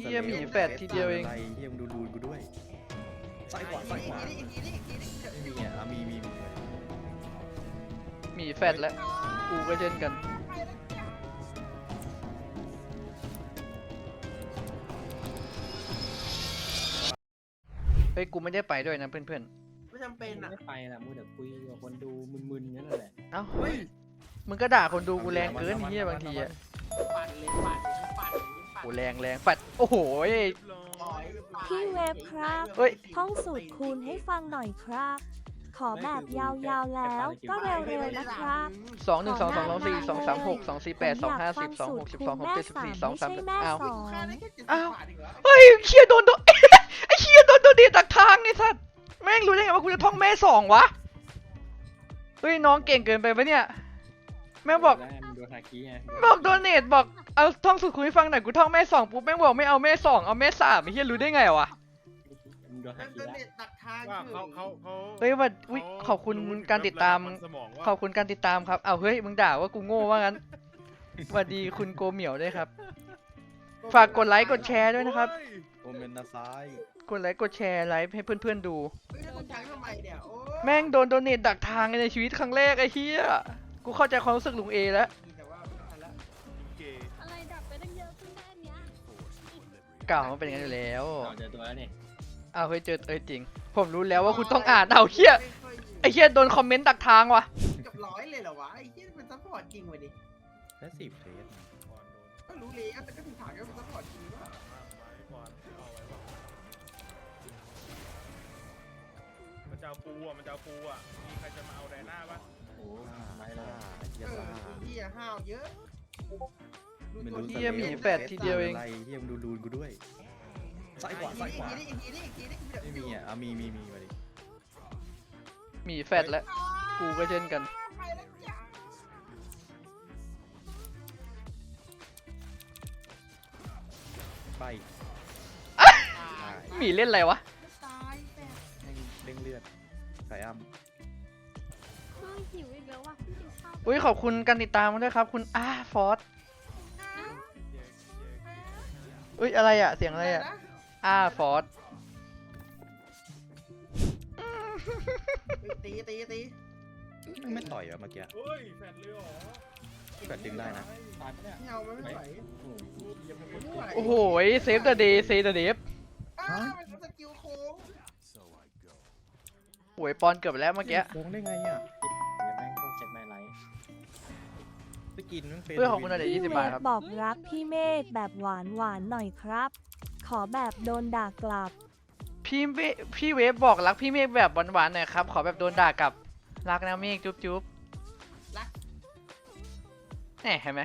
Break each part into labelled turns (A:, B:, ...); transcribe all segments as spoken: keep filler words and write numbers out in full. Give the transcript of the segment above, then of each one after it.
A: ฮียหมีแฟดทีเดียวเอง
B: เฮียมึงดูดูกูด้วยซ้ายขวาซ้ายขวาไม่มีอ่ะมีมีมี
A: หมีแฟดแล้วกูก็เช่นกันเฮ้ยกูไม่ได้ไปด้วยนะเพื่อนๆ
C: ไม่จำเป็นอ่ะ
D: ไม่ไปละมูเดี๋ยวคุยกับคนดูมึนๆนั่นแหละ
A: เอ้ามึงก็ด่าคนดูกูแรงเกินเฮียบางทีอะ
C: ปั่นเลยปั่นเลยปั่นเลยปั่น
A: กูแรงแรงปัดโอ้โห
E: พี่เวฟครับ
A: เฮ้ย
E: ท่องสูตรคูณให้ฟังหน่อยครับ ขอแบบยาวๆแล้วก็เร็วๆนะครับ
A: สองหนึ่งสองสองสองสี่สองสามหกสองสี่แปดสองห้าสิบสองหกสิบสองหกเจ็ดสิบสี่สองสามสิบอ้าว
C: ค่าได้แค่เจ็ดสิบ
A: อ้าว
C: บาทเองเหรอ
A: เฮ้ยเคียโดนโดน ไอ้เคียโดนโดนเดียตักทางไอ้สัสแม่งรู้ได้ไงว่ากูจะท่องแม่สองวะเฮ้ยน้องเก่งเกินไปปะเนี่ยแม่งบอก
D: แล้วมันดูฮาคิไง
A: บอกโดเนทบอกเอาท่องสูตรคูณให้ฟังหน่อยกูท่องแม่สองปุ๊บแม่งบอกไม่เอาแม่สองเอาแม่สามไอ้เฮียรู้ได้ไงวะ
D: มันดูฮา
C: แล้ว
D: คิ
C: ก็
D: ละ
C: เน็ตตัดทาง
F: ว่า
C: คือ
F: เขาเขาเขา
A: เฮ้ยว่าอุ๊ยขอบคุณการติดตาม
F: สมองว่า
A: ขอบคุณการติดตามครับเอาเฮ้ยมึงด่าว่ากูโง่ว่างั้นสวัสดีคุณโกเหมียวด้วยครับ ฝากกดไลค์กดแชร์ด้วยนะครับ
B: โอเมนนาซ้าย
A: กดไลค์กดแชร์ไลฟ์ให้เพื่อนๆดู
C: เฮ้ยแล้วคุณช้างทำไมเนี่ยโอ้ย
A: แม่งโดนโดเนทดักทางในชีวิตครั้งแรกไอ้เหี้ยกูเข้าใจความรู้สึกลุงเอแล้ว
C: แต่ว่าไม่ทันละ
F: เกย์
E: อะไรดับไปตั้งเยอะขึ้นได้เนี้ย
A: เก่ามันเป็นอย่างนั้นอยู่แล้ว
D: เอาเจอตัวแล้วนี่
A: อ้าวเฮ้ยเจอเอ้ยจริง ผมรู้แล้วว่าคุณต้องอ่านเอาเหี้ย
C: ไม่ค่อยอยู่
A: ไอ้เหี้ยโดนคอมเมนต์ดักทางว่ะ
C: เกับร้อยเลยเหรอวะไอ้เหี้ยเป็นซัพพอร์ตจริงเว้ยดิ
B: และสิบเฟส
F: ก่อนโดน
C: ก็รู้เลยแต่ก็ถึงถามว่าเป็นซัพพอร์ตจริงหรือเปล่า
F: มากไม้ก่อนเอาไว้ว่ามันจะเอาปูอ่ะมันจะเอาปูอ่ะมีใครจะมาเอาไดน่าปะ
D: โอ้ไม่
B: ซ่า
D: ละ
B: เฮี
C: เอย อ
B: ซ่า
C: ไอ้เหี้ยห้าวเยอะ
B: ไม่รู้
A: เหี้ยหมีแฟดทีเดียวเอง
B: อะไรเฮียมึงดูดูกูด้วยซ้ายขวาซ้ายขวา
C: อีกทีนี้อีกทีนี้อีกทีนี้
B: ไม่มีอ่ะมีมีมีมาดิ
A: หมีแฟดแล้วกูก็เช่นกัน
C: ไปแล้วจ้า
B: ไป
A: หมีเล่นอะไรวะ
C: ตายแต่
B: เร่งเลือดสายอ้ำ
E: เฮ้ยหิวอีกแล้วว่ะพี่กินข้าว
A: อุ้ยขอบคุณการติดตามด้วยครับ คุณอาฟอสอุ้ยอะไรอะเสียงอะไรอะอาฟอส
C: ตีตีตี
B: ไม่ต่อยเหรอเมื่อกี้
F: เฮ้ยแฟนเลยเหรอ
B: แฟดดึงได้นะ
D: ตายปะเนี่ย
C: ไม่เอามันไม่ไหว
D: โอ้โห
C: ไม่ไหว
A: โอ้โหเซฟเดอะเดย์เซฟเดอะเดฟ
C: อ้าวมันสกิลโค้ง
A: โอ้ยปอนเกือบไปแล้วเมื่อกี้
B: โกงได้ไงอ่ะ
D: เดี๋ยวแม่งโคตรเจ็บไม่ไร
B: ไปกินมันเป็น
A: เพื่อขอบคุณอะไร ยี่สิ
E: พี่
A: บ
E: เว
A: บาท
E: ฟ
A: ครับ
E: บอกรักพี่เมธแบบหวานหวานๆหน่อยครับ ขอแบบโดนด่ากลับ
A: พี่เวพี่เวฟบอกรักพี่เมฆแบบหวานๆหน่อยครับ ขอแบบโดนด่ากลับ รักนะเมฆจุ๊บจุ๊บ
C: รัก
A: แหมเห็นไหม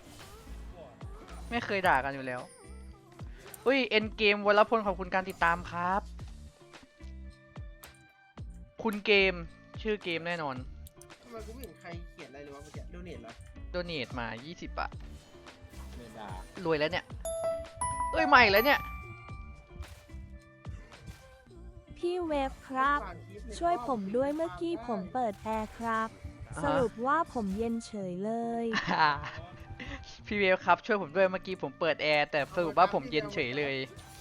A: ไม่เคยด่ากันอยู่แล้วอุ้ยเอ็นเกมวรพลขอบคุณการติดตามครับ คุณเกมชื่อเกมแน่นอน
C: ทำไมกูไม่เห็นใครเขียนอะไรเลยวะเมื่อกี้โดเนทเหรอ
A: โดเนทมา ยี่สิบบาท
D: เมดาร
A: วยแล้วเนี่ย เอ้ยใหม่แล้วเนี่ย
E: พี่เวฟครับ ช่วยผมด้วยเมื่อกี้ผมเปิดแอร์ครับ สรุปว่าผมเย็นเฉยเลย
A: พี่เวฟครับช่วยผมด้วยเมื่อกี้ผมเปิดแอร์แต่สรุปว่าผมเย็นเฉยเลย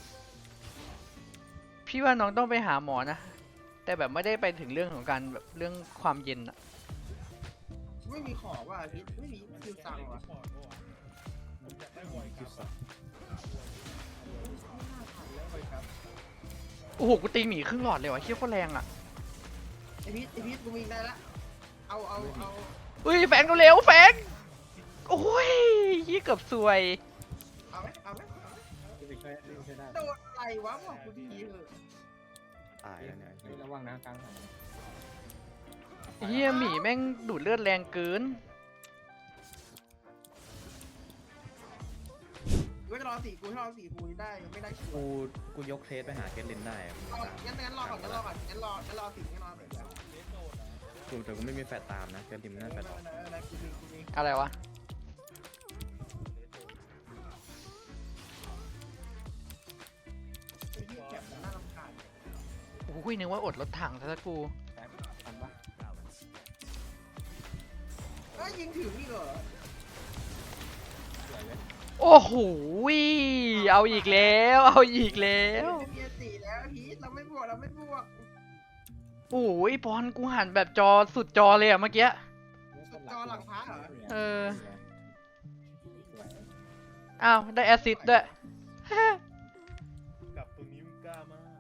A: พี่ว่าน้องต้องไปหาหมอนะ แต่แบบไม่ได้ไปถึงเรื่องของการแบบเรื่องความเย็นอะ
C: ไม่มีของว่ะอาทิตย์ไม่มีคิวสั่งว่ะ
F: ปอดปะวะผมอยากได้บอย
B: คิว
F: ครับ
B: สับ
A: โอ้โหกูตีหมีครึ่งหลอดเลยวะเชี่ยโคตรแรงอะ
C: ไอพีทไอพีทกูมีได้ละเอาเอาเอา
A: อุ้ยแฟงเร็วๆแฟงโอ้ยยี่เกือบซวย
C: เอาไหมเอาไหม
D: ที่ไปช่วยช่วยได้
C: โดนอะไรวะบอกกูดีเถอะ
B: ตายแล้วเนี่ย
D: เฮ้ยระวังนะกลางหัน
A: เฮียหมีแม่งดูดเลือดแรงเกิน
C: กูจะรอสี่กูถ้ารอสี่กูได้ไม่ได้คิว
B: กูกูยกเทสไปหาเคทลินได้อะ
C: เอางั้นงั้นรอก่อนงั้นรอก่อนงั้นรองั้นรอสี่งั้นรอสี่ก่อน
B: กูแต่กูไม่มีแฟดตามนะเคทลินมันน่าแฟดออก
C: เออกูมีกูมี
A: อะไรวะ
C: ไอ้เหี้ยแคปมันน่ารำคาญ
A: โอ้ยนึกว่าอดรถถังซะละกู
D: ทันปะ
C: เอ้ยยิงถึงนี่เหรอ
D: สวยเลย
A: โอ้โหเอาอีกแล้วเอาอีกแล้ว
C: เมียสี่แล้วพีทเราไม่บวกเราไม่บวก
A: โอ้ยบอลกูหันแบบจอสุดจอเลยอะเมื่อกี้
C: สุดจอหลังพระเหรอ
A: เออ
D: สวย
A: อ้าวได้แอสซิสต์ด้วย
F: กับตรงนี้มึงกล้ามาก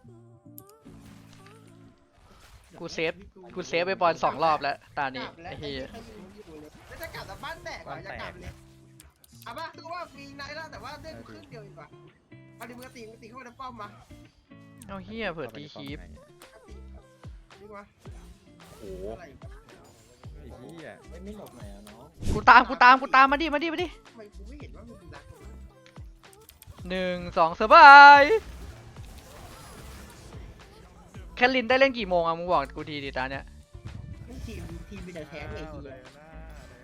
A: กูเซฟกูเซฟไปบอลสองรอบแล้วตานี้
C: กลับแล้ว
A: ไอ้เหี้ย
C: ใครยิงอยู่เลยแล้วจะกลับแต่บ้านแตกเหรอจะกลับเลยเอาป่ะคือว่ามีนายแล้วแต่ว่าเล่นครึ่งเดียวอีกว่ะเอาดิมือตีมือตีเข้าไปในป้อมมา
A: เอาเฮียเผื่อตีคีป
C: ดีกว่า
B: โอ้โห
C: อะไรวะ
B: ไอ้เหี้ย
D: ไม่ไม่หลบหน่อยอ่ะน้อง
A: กูตามกูตามกูตามมาดิมาดิมาดิ
C: ทำไมกูไม่เห็นว่ามันเป็นรัก
A: หนึ่งสองสบายแคทลินได้เล่นกี่โมงอะมึงบอกกูทีดิตาเนี้ย
C: ไม่ทีมทีมมีแต่แพ้ไอ้
F: อ้าว
C: ที
F: ไดอาน่า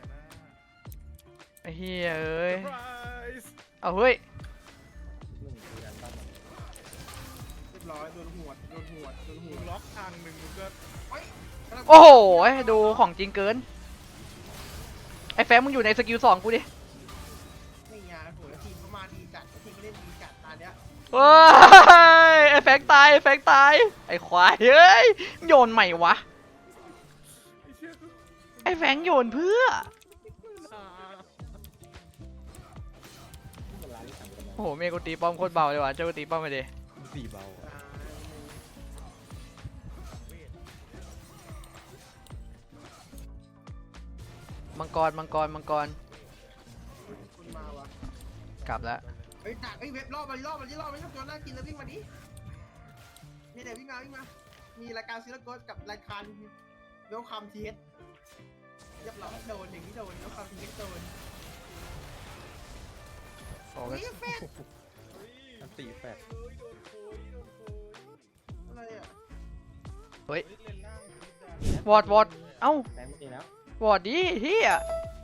F: ไดอาน่า
A: ไอ้เฮียเอ้ย
F: เซอร์ไพรส์
A: เอาเฮ้ย
D: มึงคือดันบ้านมัน
C: เรียบร้อยโดนหัวดโดนหัวดโดนหั
F: มึ
C: ว
F: ง
C: ด
F: ล็อกทางหนึ่งมึงก็
C: เฮ้ย
A: โอ้โหดูของจริงเกินไอ้แฟมมึงอยู่ในสกิลสองกูดิ
C: ไม่ยาโหแล้วทีมเขามาดีจัดทีมเขาเล่นดีจัดตาเนี้ย
A: เฮ้ยไอ้แฟงตายไอ้แฟงตายไอ้ควายเฮ้ยโยนใหม่วะ
F: ไอ้เชี่ยกู
A: ไอ้แฟงโยนเพื่อ
F: อ่า
D: ที่มันร้านที่สั่งกันมา
A: โอ้โหเมย์กูตีป้อมโคตรเบาเลยว่ะเจ้ากูตีป้อมไปดิ
B: สี่เบาอะ
C: อ่า
A: มังกรมังกรมังกร
C: คุณมาวะ
A: กลับแล้ว
C: เฮ้ยดักเฮ้ยเว็บรอบมาดิรอบมาดิรอบมาดิตัวน่ากินแล้ววิ่งมาดินี่เดี๋ยววิ่งมาวิ่งมามีรายการซีรีส์โกสกับรายการเวลคัมทีเอสเรียบร้อยโดนอย่างนี้โดนเวลคัมทีเอสโดน
A: โอ้
C: เฮ้
A: ย
C: ยแฟน
B: อันตีแฟด
F: เฮ้ยโดนโคยโดนโคย
C: อะไรอ่ะ
A: เฮ้ย
F: เฮ้ยเล่นล่างนิดเดียว
A: วอดวอดเอ้า
D: แบงค์ไม่ดีแล้ว
A: วอดดิเฮีย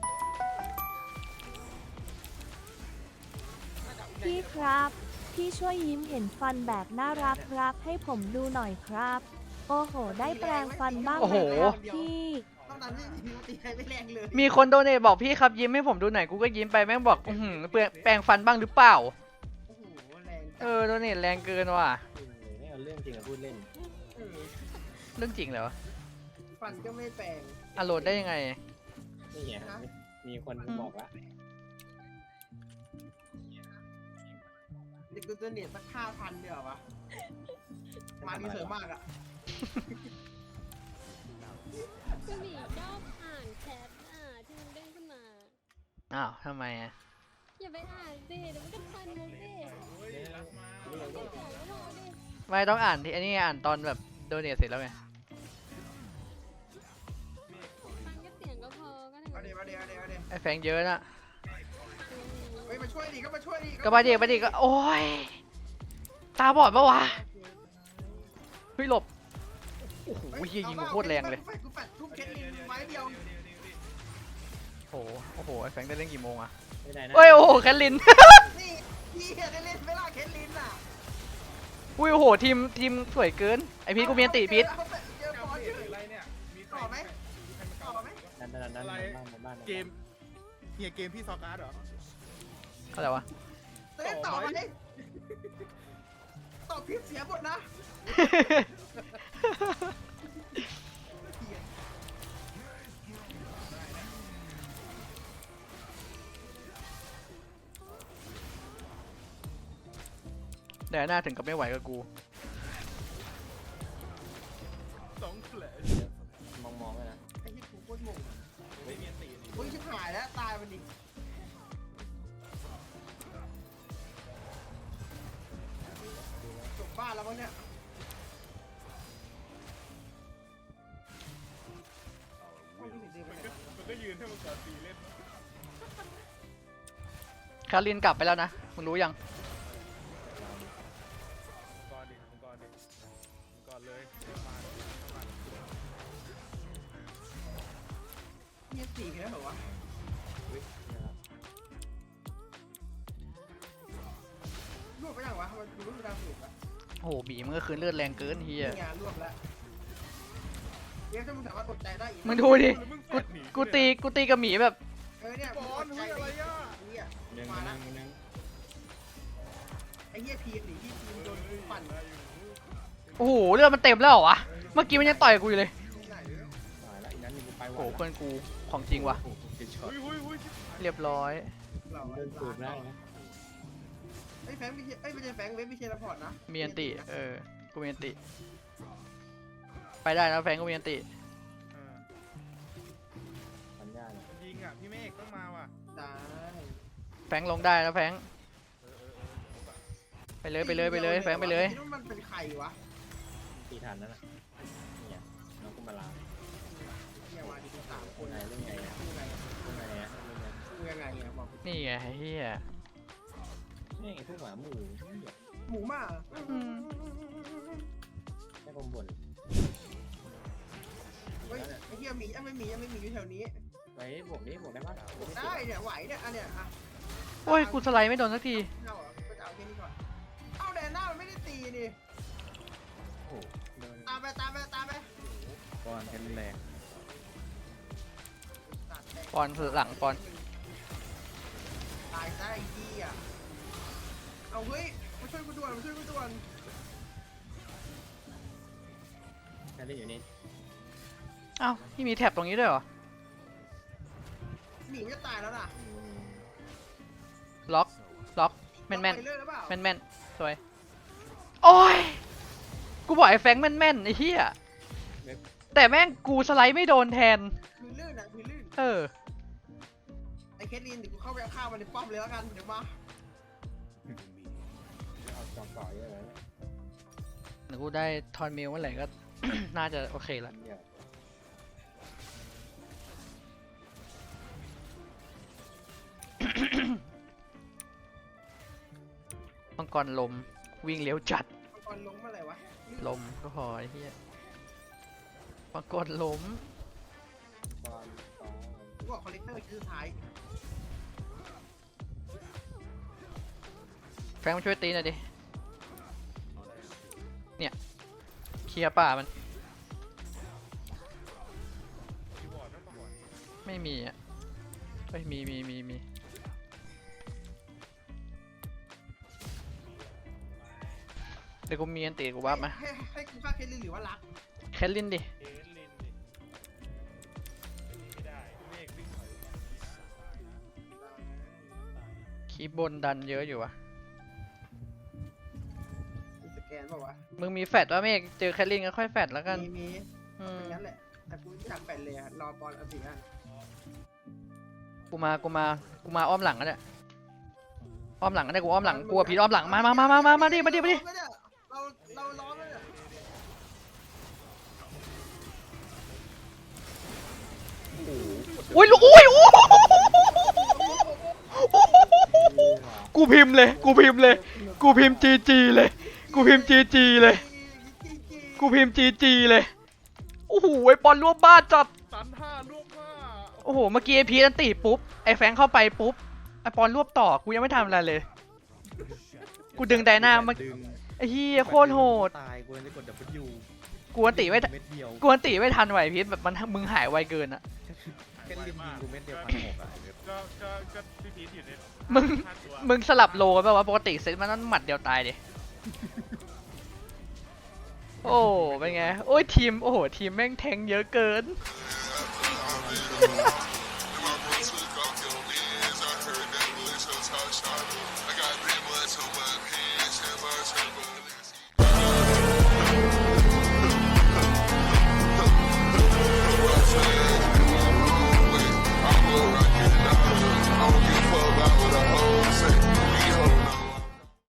E: พี่ครับ พี่ช่วยยิ้มเห็นฟันแบบน่ารักรักให้ผมดูหน่อยครับ โอ้โห ได้แปลงฟันบ้างไหมครับพี่
C: ต้องนั้นไม่มีตีใครไม่แรงเลย
A: มีคนโดเนทบอกพี่ครับยิ้มให้ผมดูหน่อยกูก็ยิ้มไปแม่งบอกอือหือเปลืองแปรงฟันบ้างหรือเปล่า
C: โอ้โหแรง
A: เออโดเนทแรงเกินว่ะ
D: เออไม่เอาเรื่องจริงมาพูดเล่น
C: เออ
A: เรื่องจริงเหรอ
C: ฟันก็ไม่แปลง
A: อะโหลดได้ยังไง
D: นี่ไงมีคนบอกละ
C: เด็กกูจะเนียสักห้าพันเดียววะมาดีเสริมมากอ่ะ
G: ก็หนีชอบอ่านแชทอ่ะที่มันเด้งขึ้นมา
A: อ้าวทำไมอะ
G: อย่าไปอ่านสิเดี๋ยวมันก็ทันมึงสิ
F: เฮ้ยรักมา
G: ไม่ต้องบอกไม่ต้องดิ
A: ไม่ต้องอ่านที่อันนี้อ่านตอนแบบโดเนทเสร็จแล้วไง
G: ฟังแค่เสียงก็พอก็ถึง
C: เอาเดี๋ยวเอาเดี๋ยวเอาเดี๋ยวเอาเดี๋ยว
A: ไอ้แฟงเยอะน่ะ
C: เฮ้ยมาช่วยดิก็มาช่วยดิ
A: ก็มาดิมาดิก็โอ้ยตาบอดปะวะเฮ้ยหลบโอ้โหเฮียยิงกูโคตรแรงเลย
C: กูแปดทุ่มเคสลินไม้เดียว
A: โอ้โหโอ้โหไอ้แฟงได้เล่นกี่โมงอะ
D: ไม่ได้นะ
A: เอ้ยโอ้โหแคทลิน
C: นี่พี่ได้เล่นเวลาเคสลินอ่ะ
A: อุ้ยโอ้โหทีมทีมสวยเกินไอพีทกูมีอันติพีท
C: เจอ
F: เก
C: บอล
F: ม
C: เฉย
F: อะไรเนี่ยมีใคร
C: ต่อไหม
F: มีใครมา
C: ต่
F: เก่า
C: อไหม
D: ดันดันดันดันบ้านบ้าน
F: เกมเฮียเกมพี่ซอการ์ดเหรอ
A: อะไรวะ
C: เล่นต่อไหมต่อพิษเสียหมดนะ
A: เดี๋ยวหน้าถึงกับไม่ไหวกับกู
F: สองแผล
D: มองมองเลยนะ
C: ไอ้ที่กูโคตรงง
F: ไม่มีตีนี่
C: อุ้ยชิบหายแล้วตายมันดิจบบ้านแล้วมั้งเนี่ย
F: มันก็มันก็ยืนให้มันก่อนตีเล่น
A: คารินกลับไปแล้วนะมึงรู้ยัง
F: ก่อนดิก่อนดิก่อนเลยมามา
C: มีสี่แค่เหรอวะรวบไปยังวะมันรวบดาวสุกอะ
A: โอ้โหบีมันก็คืนเลือดแรงเกินเฮีย
C: งานรวบแล้วเดี๋ยวถ้ามึงสามารถอดใจได้อีก
A: มึงดูดิกูกูตีกูตีกับหมีแบบ
C: เออเนี่ย
F: บอลเฮ้ยอะไรอ่ะ
C: เนี่ย
D: หนึ่ง
C: มา
D: ห
C: แล้
D: นึ่
C: ว
D: งหนึ่ง
C: ไอ้เหี้ยพีหนีที่ทีมโดนปั่น
F: ได้อยู่
A: โอ้โหเลือดมันเต็มแล้วเหรอวะเมื่อกี้มันยังต่อยกูอยู่เลย
C: ที่ไหนเนี่ย
D: ตายแล้วอีกนั้นมีกูไปห
A: โอ้
D: วา
A: โห
D: น
A: เพื่อนกูของจริงว่ะ
B: โอ้โหเกช็อต
F: อุ้ยอุ้ยอุ้ย
A: เรียบร้อย
C: เรา
D: เดินสูบได้นะ
C: ไอ้แฟงไม่ใช่ไอ้ไม่ใช่แฟงเว็บไม่ใช่ระพอร์ตนะ
A: มีอันติเออกูมีอันติไปได้นะแฟนกูมีอันติ
F: เออ
D: ปัญญาเนี่ย
F: ยิงอ่ะพี่เมฆต้องมาว่ะ
C: ได้
A: แฟงลงได้นะแฟง
F: เออเออเออ
A: ไปเลยไปเลยไปเลยแฟงไปเลย
C: คิดว่ามันเป็นใครวะ
D: ตีทันนั่นน่ะเนี่ยน้องกุมาลา
C: เนี่ยมาดีสามค
D: เล่
C: น
D: นไงเล่นไงอะ
C: ยังไง
D: เล่นไงอะเล่นไง
C: ยังไงเนี่ยบอก
A: นี่ไงเฮีย
D: นี่ไอ้พวกหมาหมูเหี้ย
C: หมูมา
A: อืม
D: แค่ผมบ่น
C: เฮ้ยไอ้เหี้ยหมียังไม่มียังไม่มีอยู่แถวนี้
D: ไปบวกนี้บวกได้ปะบวกไม่
C: ได้
D: ติด
C: เนี่ยไหวเนี่ยอันเนี้ยอ่ะ
A: โอ้ยกูสไลด์ไม่โดนสักที
C: เอาเหรอก็จะเอาแค่นี้ก่อนเอาแดนหน้ามันไม่ได้ตีนี่
D: โอ้โหเดิน
C: ตามไปตามไปตามไป
B: บอลแค่แรง
C: ตัดแดง
A: ปอนหลังปอน
C: ตายซะไอ้เหี้ยเอาเฮ้ยมาช่วยกูด่วนมาช่วยกูด่วน
D: แค่เล่นอยู่นี่
A: เอ้าพี่มีแท็บตรงนี้ด้วยเหรอ
C: หมีมันจะตายแล้วนะ
D: อืม
A: ล็อกล็อกแม่นแม่น
C: ไปเรื่อยหรือเปล่า
A: แม่นแม่นสวยโอ้ยกูบอกไอ้แฟงแม่นแม่นไอ้เหี้ยแต่แม่งกูสไลด์ไม่โดนแทน
C: พื้นลื่นอ่ะพื้นลื่น
A: เออ
C: ไอ้เคทลินเดี๋ยวกูเข้าไปเอาข้าวมันในป้อมเลยแล้วกันเดี๋ยวมา
D: เอาจอบต่อเยอะเลยเนี่ย
A: เดี๋ยวกูได้ทอนมิลเมื่อไหร่ก็ น่าจะโอเคละ
D: เดี๋ยว
A: มังกรลมวิ่งเร็วจัด
C: มังกรลงเมื่อไหร่วะ
A: ลมก็พอไอ้เหี้ยมังกรล้ม
D: ตอนตอน
C: กูบอกคอลเลกเตอร์คือสุดท้าย
A: แฟงมาช่วยตีหน่อยดิเนี่ยเคลียร์ป่ามัน
F: คีย์บอร์ดนั่นปะวะ
A: ไม่มีอ่ะเฮ้ยมีมีมีมีเดี๋ยวกูมีอันตีกูวับมา
C: ให้ให้กูฆ่าเคทลินหรือว่ารัก
A: แคทลินดิ
F: เอสลินดิไม่ได้พี่เมฆวิ่งถอย
A: คีบบนดันเยอะอยู่วะ
C: มีสแกนเปล่าวะ
A: มึงมีแฟดว่าเมฆเจอแคทลินก็ค่อยแฟดแล้วกัน
C: มีมี
A: อืม
C: เป็นงั้นแหละแต่กูไม่อยากแปดเลยอะรอปอนเอาสิอ่ะ
A: กูมากูมากูมาอ้อมหลังก็ได้อ้อมหลังก็ได้กูอ้อมหลังกลัวผีอ้อมหลังมามามามามามาดิมาดิมาดิ
C: เราเราล้อมแล้วเนี่ย
A: อุ้ยลูกอุ้ยอู้กูพิมพ์เลย กูพิมพ์เลย กูพิมพ์จีจีเลย กูพิมพ์จีจีเลย กูพิมพ์จีจีเลย โอ้โหไอปอนรวบบ้านจัด
F: ตันห้าลูกห้า
A: โอ้โห เมื่อกี้ไอพีนันตีปุ๊บ ไอแฟงเข้าไปปุ๊บ ไอปอนรวบต่อ กูยังไม่ทำอะไรเลย กูดึงไดนาเมื่อ
B: ดึง
A: ไอเฮียโคตรโหด
B: ตายกูเลยกด W
A: กวนตีไม่ทัน
B: เม็ดเดียว
A: กวนตีไม่ทันไหวพีทแบบมันมึงหายไวเกินอะ
B: แค่ลิมยิงกูเม็ดเดียวพันหกอ่ะไอ้เว็บ
F: ก็ก็ก็พี่พีทอยู่ใน
A: มึง
F: ห้าตัว
A: มึงสลับโลกันป่าวะปกติเซตมันต้องหมัดเดียวตายดิ โอ้เป็นไง โอ้ยทีม โอ้โห ทีมแม่งแทงเยอะเกิน